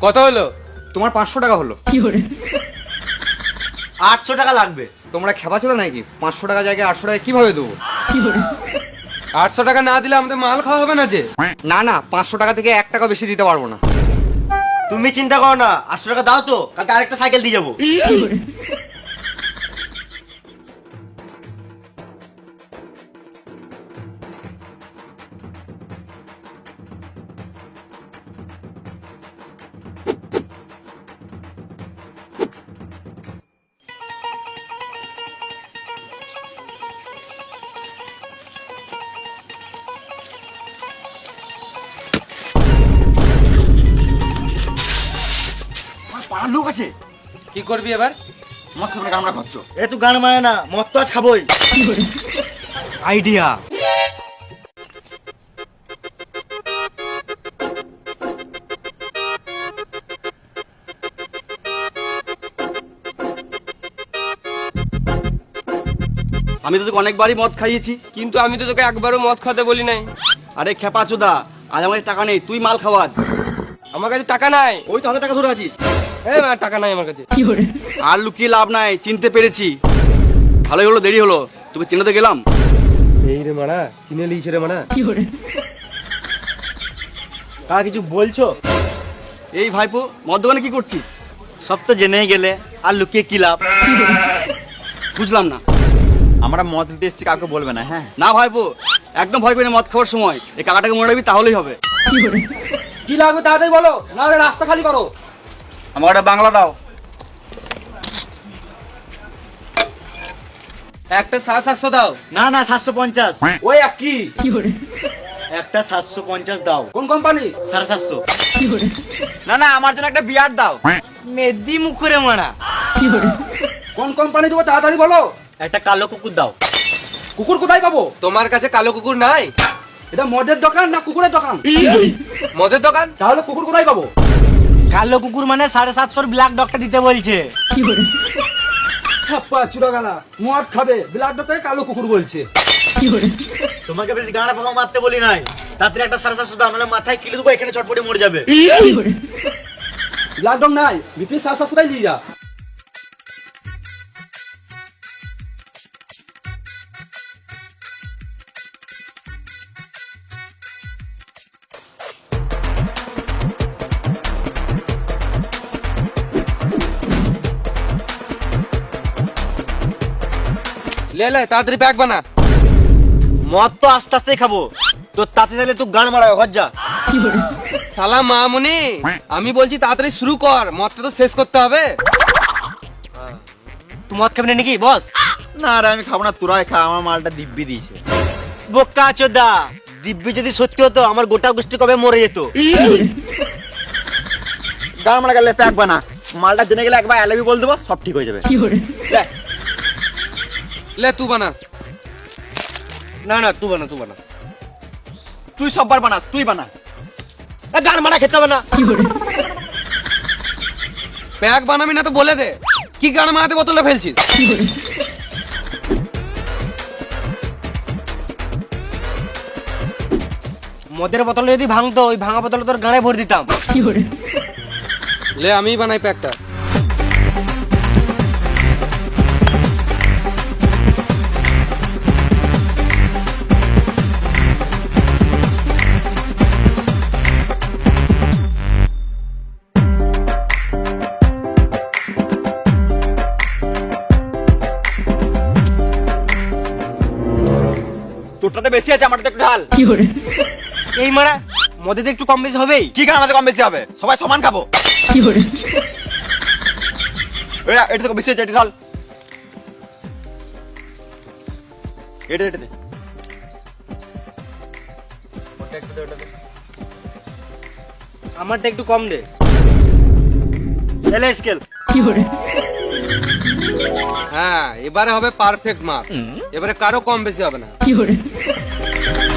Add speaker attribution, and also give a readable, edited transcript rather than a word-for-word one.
Speaker 1: কত হলো?
Speaker 2: তোমার 500 টাকা হলো।
Speaker 3: 800 টাকা লাগবে।
Speaker 2: তোমরা খেপা ছিল নাকি? 500 টাকা জায়গায় 800 টাকা কিভাবে দেবো?
Speaker 1: 800 টাকা না দিলে আমাদের মাল খাওয়া হবে না যে।
Speaker 2: না না, 500 টাকা থেকে 1 টাকা বেশি দিতে পারবো না।
Speaker 3: তুমি চিন্তা করো না, 800 টাকা দাও তো, কালকে আরেকটা সাইকেল দিয়ে যাবো।
Speaker 2: পাড়ার লোক আছে,
Speaker 1: কি করবি এবার?
Speaker 2: মদ খাবে না, আমরা খাচ্ছ।
Speaker 3: এ তুই গান মানে না, মদ তো আজ খাবোই। আইডিয়া।
Speaker 2: আমি তো তোকে অনেকবারই মদ খাইয়েছি।
Speaker 1: কিন্তু আমি তো তোকে একবারও মদ খাতে বলি নাই।
Speaker 2: আরে খেপা চোদা, আজ আমার টাকা নেই, তুই মাল খাওয়া।
Speaker 1: আমার কাছে টাকা নাই।
Speaker 2: ওই তো হাতে টাকা ধরে আছিস।
Speaker 1: এই মা, টাকা নাই আমার কাছে।
Speaker 2: আর লুকিয়ে লাভ নাই, চিনতে পেরেছি। ভালোই হলো, দেরি হলো, তোকে চিনাতে গেলাম।
Speaker 1: এই রে মারা, চিনে লিয়েছে রে মারা।
Speaker 3: কারা কিছু বলছো?
Speaker 2: এই ভাইপো, মদ দোকানে কি করছিস?
Speaker 3: সব তো জেনেই গেলে, আর লুকিয়ে কি লাভ?
Speaker 2: বুঝলাম না।
Speaker 4: আমরা মদ দিতে এসেছি, কাউকে বলবে না। হ্যাঁ,
Speaker 2: না ভাইপো, একদম ভয় পেয়ে না মদ খাওয়ার সময়। এই কাকাটাকে মনে রাখবি, তাহলেই হবে।
Speaker 1: কি লাগবে তাড়াতাড়ি বলো, না হলে রাস্তা খালি করো।
Speaker 2: আমার একটা বাংলা দাও।
Speaker 1: একটা 700 দাও।
Speaker 3: না না, 750।
Speaker 1: ওই এক কি?
Speaker 3: একটা 750 দাও।
Speaker 1: কোন কোম্পানি?
Speaker 3: 750।
Speaker 4: না না, আমার জন্য একটা বিয়ার দাও।
Speaker 3: মেদি মুখরে মারা।
Speaker 1: কোন কোম্পানি দেবো তাড়াতাড়ি বলো।
Speaker 3: একটা কালো কুকুর দাও।
Speaker 1: কুকুর কোথায় পাবো? তোমার কাছে কালো কুকুর নাই? এটা মদের দোকান না কুকুরের দোকান? মদের দোকান। তাহলে কুকুর কোথায় পাবো?
Speaker 3: কালো কুকুর মানে 750 ব্ল্যাক ডগটা দিতে বলছে।
Speaker 1: হাপ্পা চুরাগালা, মদ খাবে, ব্লাড ডক্টরে কালো কুকুর বলছে।
Speaker 3: তোমাকে বেশি গাঁড়া পাকা মারতে বলি নাই। তাড়াতাড়ি একটা 750 দাও, নাহলে মাথায় কিলে দেবো, এখানে চটপটে মরে যাবে।
Speaker 1: ব্লাড ডক নাই, বিপি 700 নিয়ে যা। লে লে তাড়াতাড়ি প্যাক বানা।
Speaker 3: মদ তো আস্তে আস্তে খাবো, তোর তাতে তাহলে তুই গান মারাবে, ঘর যা।
Speaker 1: সালা মামুনি, আমি বলছি তাড়াতাড়ি শুরু কর, মদটা তো শেষ করতে হবে।
Speaker 3: তুই মদ খাবি না নাকি বস?
Speaker 4: না রে, আমি খাবো না, তোরাই খা, আমার মালটা দিব্যি দিয়েছে।
Speaker 3: বোকা চোদা, দিব্যি যদি সত্যি হতো আমার গোটা গোষ্ঠী কবে মরে যেত।
Speaker 4: গান মারা গেলে প্যাক বানা, মালটা জেনে গেলে একবার অ্যালাবি বল দেবো, সব ঠিক হয়ে যাবে। লে,
Speaker 1: লে তুই বানা।
Speaker 3: না না, তুই বানা, তুই বানা।
Speaker 4: তুই সববার বানাস, তুই বানা।
Speaker 3: গান মারা খেতে হবে না।
Speaker 1: প্যাক বানাবি না তো বলে দে, কি গান মারাতে বোতলে ফেলছিস?
Speaker 3: মদের বোতলে যদি ভাঙতো, ওই ভাঙা বোতলে তোর গানে ভরে দিতাম।
Speaker 1: লে আমি বানাই প্যাকটা।
Speaker 4: তোরটাতে বেশি আছে, আমারটা একটু ঢাল।
Speaker 3: এই মারা, মদে তো একটু কম বেশি হবেই।
Speaker 4: কি গান আমাদের কম বেশি হবে? সবাই সমান খাবো। এটা তো বেশি আছে, এটা ঢাল। এটা এটা দে।
Speaker 3: আমারটা একটু কম দে। এলে স্কেল।
Speaker 1: হ্যাঁ, এবারে হবে পারফেক্ট মাপ। এবারে কারো কম বেশি হবে না।